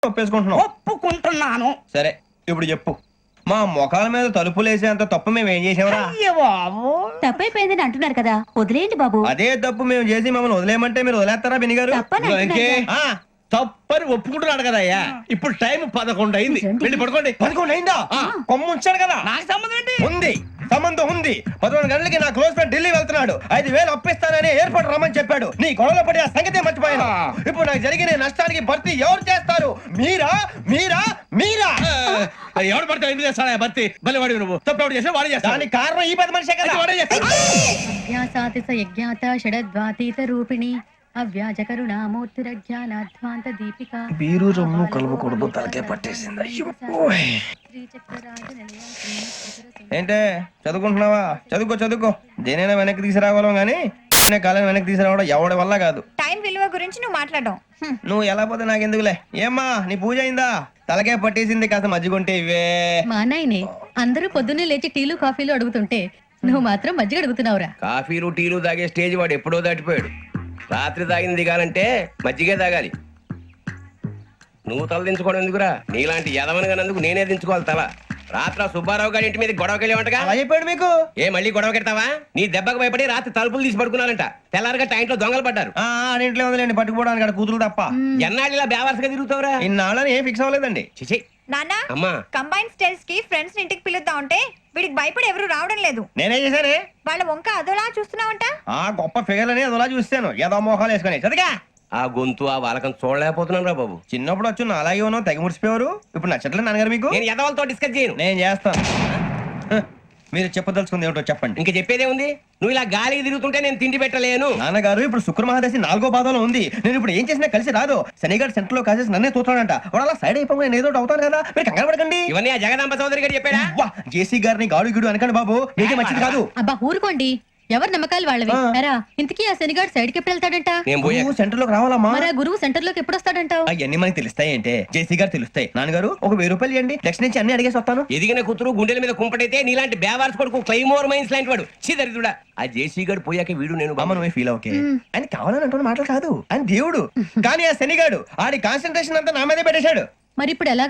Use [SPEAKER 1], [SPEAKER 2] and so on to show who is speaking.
[SPEAKER 1] ఒప్పేసుకుంటున్నావు.
[SPEAKER 2] ఒప్పుకుంటున్నాను.
[SPEAKER 1] సరే ఇప్పుడు చెప్పు, మా మొఖాల మీద తలుపులేసేంత తప్పు మేము ఏం చేసామరా?
[SPEAKER 2] అయ్యో బాబు,
[SPEAKER 3] తప్పైపోయిందని అంటున్నారు కదా, వదిలేయండి బాబు.
[SPEAKER 1] అదే తప్పు మేము చేసి మమ్మల్ని వదిలేయమంటే మీరు వదిలేస్తారా బిని గారు?
[SPEAKER 3] తప్పని అంటున్నారు కదా.
[SPEAKER 4] తప్పని ఒప్పుకుంటున్నాడు కదా అయ్యా. ఇప్పుడు టైం 11 అయింది, వెళ్ళి పడుకోండి.
[SPEAKER 1] 11 అయిందా? కొమ్ము ఉంచాడు కదా.
[SPEAKER 2] నాకు సంబంధం ఏంటి?
[SPEAKER 1] ఉంది, సంబంధం ఉంది. 11 గంటలకి నా క్లోజ్ ఫ్రెండ్ ఢిల్లీ వెళ్తున్నాడు. 5,000 అప్పిస్తానని ఎయిర్పోర్ట్ రమ్మని చెప్పాడు. నీ గొడవలో పడి ఆ సంగతే మర్చిపోయాను. ఇప్పుడు నాకు జరిగిన నష్టానికి భర్తీ ఎవరు చేస్తారు? మీరా మీరా మీరా?
[SPEAKER 4] ఎవడు పడితే ఎందుకు చేస్తాడా భర్తీ? భలే వాడి నువ్వు తప్పు ఎవడు చేసా వాడే చేస్తా.
[SPEAKER 1] దానికి కారణం ఈ 10 మనిషే కదా.
[SPEAKER 4] వాడే చేస్తా.
[SPEAKER 5] అజ్ఞాసాతి స యజ్ఞాత షడద్వాతీత రూపిణి అవ్యాజ కరుణామూర్తిరజ్ఞానాధ్వాంత దీపిక
[SPEAKER 1] బీరు రొమ్ము కలుపుకూడదు, తలకే పట్టేసింది. ఏంటే చదువుకుంటున్నావా? చదువుకో చదువుకో. దేనైనా వెనక్కి తీసుకురావాలం గానీ కాలం వెనక్కి తీసుకురావడం ఎవడి వల్ల కాదు.
[SPEAKER 3] టైం విలువ గురించి నువ్వు మాట్లాడడం
[SPEAKER 1] నువ్వు ఎలా పోతే నాకెందుకులే. ఏమ్మా నీ పూజ అయిందా? తలకే పట్టేసింది, కాస్త మజ్జిగుంటే ఇవే.
[SPEAKER 5] మా నాయనే అందరూ పొద్దున్నే లేచి టీలు కాఫీలు అడుగుతుంటే నువ్వు మాత్రం మజ్జిగ అడుగుతున్నావురా.
[SPEAKER 6] కాఫీలు టీలు తాగే స్టేజ్ వాడు ఎప్పుడో దాటిపోయాడు. రాత్రి తాగింది దిగాలంటే మజ్జిగే తాగాలి. నువ్వు తల దించుకోవడం ఎందుకురా? నీలాంటి యదవనగానందుకు నేనే దించుకోవాలి తల. రాత్రి సుబ్బారావు గారి ఇంటి మీద గొడవకెళ్ళేవంటగా.
[SPEAKER 1] అలా చెప్పాడు మీకు?
[SPEAKER 6] ఏ మళ్ళీ గొడవ కెడతావా? నీ దెబ్బకు భయపడి రాత్రి తలుపులు తీసి పడుకున్నారంట. తెల్లారగా టైంట్లో దొంగలు పడ్డారు.
[SPEAKER 1] ఆడింట్లో ఉందిలేండి, పట్టుకుపోవడానికి అక్కడ కూతురు తప్ప.
[SPEAKER 6] ఎన్నాళ్ళు ఇలా బేవర్స్గా తిరుగుతావురా?
[SPEAKER 1] ఇన్నాళ్ళని ఏం ఫిక్స్ అవ్వలేదండి.
[SPEAKER 6] చిచి
[SPEAKER 3] నాన్న,
[SPEAKER 6] అమ్మా,
[SPEAKER 3] కంబైన్ స్టైల్స్ కి ఫ్రెండ్స్ ఇంటికి పిలుద్దాం అంటే వీడికి భయపడి ఎవరు రావడం లేదు.
[SPEAKER 1] నేనే చేశానే.
[SPEAKER 3] వాళ్ళ వంక అదోలా చూస్తున్నావంట.
[SPEAKER 1] గొప్ప ఫిగర్ అని అదోలా చూస్తాను. ఏదో మోహాలు వేసుకొని చదిగా.
[SPEAKER 6] ఆ గొంతు ఆ వాలకం చూడలేకపోతున్నాను రా బాబు.
[SPEAKER 1] చిన్నప్పుడు వచ్చి నా అలాగే ఉన్నావు, తెగ ముడిచిపోయారు. ఇప్పుడు నచ్చట్లేదు నాన్నగారు మీకు?
[SPEAKER 6] నేను యదవలతో డిస్కస్ చేయను.
[SPEAKER 1] నేను చేస్తాను. మీరు చెప్పదలుచుకుంది ఏమిటో చెప్పండి.
[SPEAKER 6] ఇంక చెప్పేదే ఉంది. నువ్వు ఇలా గాలికి తిరుగుతుంటే నేను తిండి పెట్టలేను.
[SPEAKER 1] నాన్నగారు ఇప్పుడు శుక్ర మహాదశి 4వ పాదంలో ఉంది. నేను ఇప్పుడు ఏం చేసినా కలిసి రాదు. శనిగారు సెంటర్ లో కాసేసి నన్నే చూస్తాడంట. వాడు అలా సైడ్ అయిపోయి నేను ఏదో ఒకటి అవుతాను కదా. మీరు కంగారు పడకండి.
[SPEAKER 6] ఇవన్నీ ఆ జగదాంబ చౌదరి గారు చెప్పాడా?
[SPEAKER 1] జేసీ గారిని గాడు గిడు అనకండి బాబు, మీకే మంచిది కాదు.
[SPEAKER 5] అబ్బా ఊరుకోండి, ఎవరి నమ్మకాలు వాళ్ళవి. ఎరా ఇంతకీ ఆ శనిగాడు సైడ్కి ఎప్పుడు వెళ్తాడంట?
[SPEAKER 6] నేను పోయా.
[SPEAKER 1] సెంటర్ లోకి రావాలమ్మా.
[SPEAKER 5] మరి ఆ గురువు సెంటర్ లోకి ఎప్పుడు వస్తాడంటావు?
[SPEAKER 1] అవన్నీ మనకి తెలుస్తాయి అంటే జేసీ గారు తెలుస్తాయి. నాన్నగారు ఒక 1000 రూపాయలు ఇవ్వండి, నెక్స్ట్ నుంచి అన్ని అడిగేసి వస్తాను.
[SPEAKER 6] ఎదిగిన కూతురు గుండెల మీద కుంపటైతే నీలాంటి బేవార్స్ కొడుకు క్లైమోర్ మైన్స్ లాంటి వాడు చీదరిదుడా. ఆ జేసీ గారు పోయాక వీడు నేను
[SPEAKER 1] అమ్మ నువ్వే ఫీల్ ఓకే. ఆయన కావాలని అంటున్న మాటలు కాదు, ఆయన దేవుడు. కానీ ఆ శనిగాడు ఆడి కాన్సన్ట్రేషన్ అంతా నా మీదే పెట్టేశాడు.
[SPEAKER 5] మరి ఇప్పుడు ఎలా